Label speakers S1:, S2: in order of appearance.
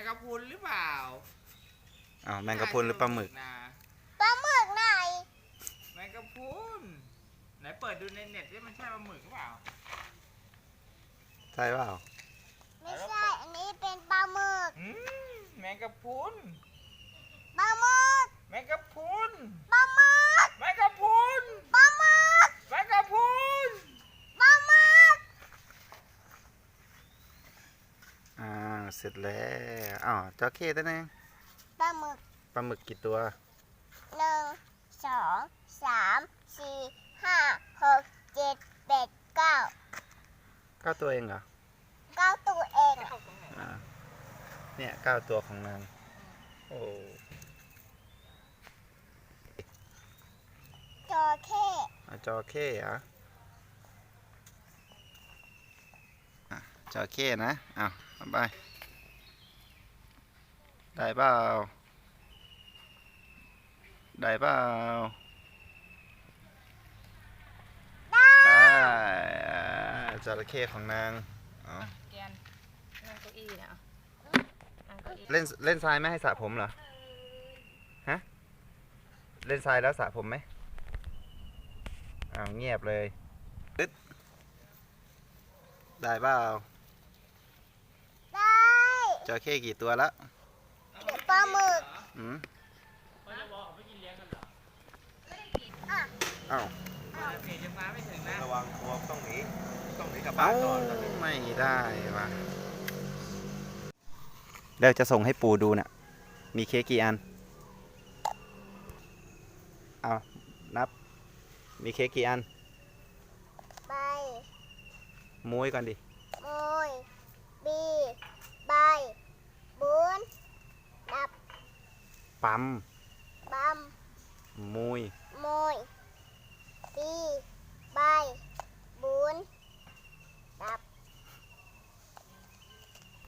S1: ะพรุนหรือเปล่า
S2: อ้าวแมงกะพรุนหรือปลาหมึก
S3: ปลาหมึกไหน
S1: แมงกะพรุนไหนเปิดดูในเน็ตดิมันใช่ปลาหมึกหรือเปล่า
S2: ใช่เปล่า
S3: ไม่ใช่อันนี้เป็นปลาหมึก
S1: แมงกะพรุน
S3: ปลาหมึก
S1: แมงกะพรุน
S3: ปลาหมึก
S1: แมงกะพรุน
S3: ปลาหมึก
S1: แมงกะพรุน
S3: ปลาหมึก
S2: เสร็จแล้วอ้าวจระเข้ตัวนึง
S3: ปลาหมึก
S2: ปลาหมึกกี่ตัว
S3: 1 2 3 4 5 6 7 8 9
S2: ตัวเองเหรอ
S3: 9ตัวเอง
S2: เนี่ย9ตัวของนางโอ้
S3: จระเข้
S2: จระเข้เหรอจระเข้นะอ้าวไปได้เปล่าได้เปล่าได้จระเข้ของนาง
S4: แกนนั่งเก้าอี้นะ
S2: เล่นทรายไม่ให้สระผมเหรอฮะเล่นทรายแล้วสระผมไหมอ้าวเงียบเลยได้เปล่า
S3: ได้
S2: จระเข้กี่ตัวแล้ว
S3: ปลาหมึก
S2: อ้าว
S1: เดี๋ยวจะมาไม่ถึงนะ
S5: ระวังตัวต้องหนีกลับบ้านก่อน
S2: ไม่ได้ว่ะเดี๋ยวจะส่งให้ปู่ดูน่ะมีเค้กกี่อันเอานับมีเค้กกี่อัน
S3: ใบ
S2: มุ้ยก่อนดิ
S3: มุยบีใบบุญนับ
S2: ปั๊ม
S3: บัม
S2: มุ้ย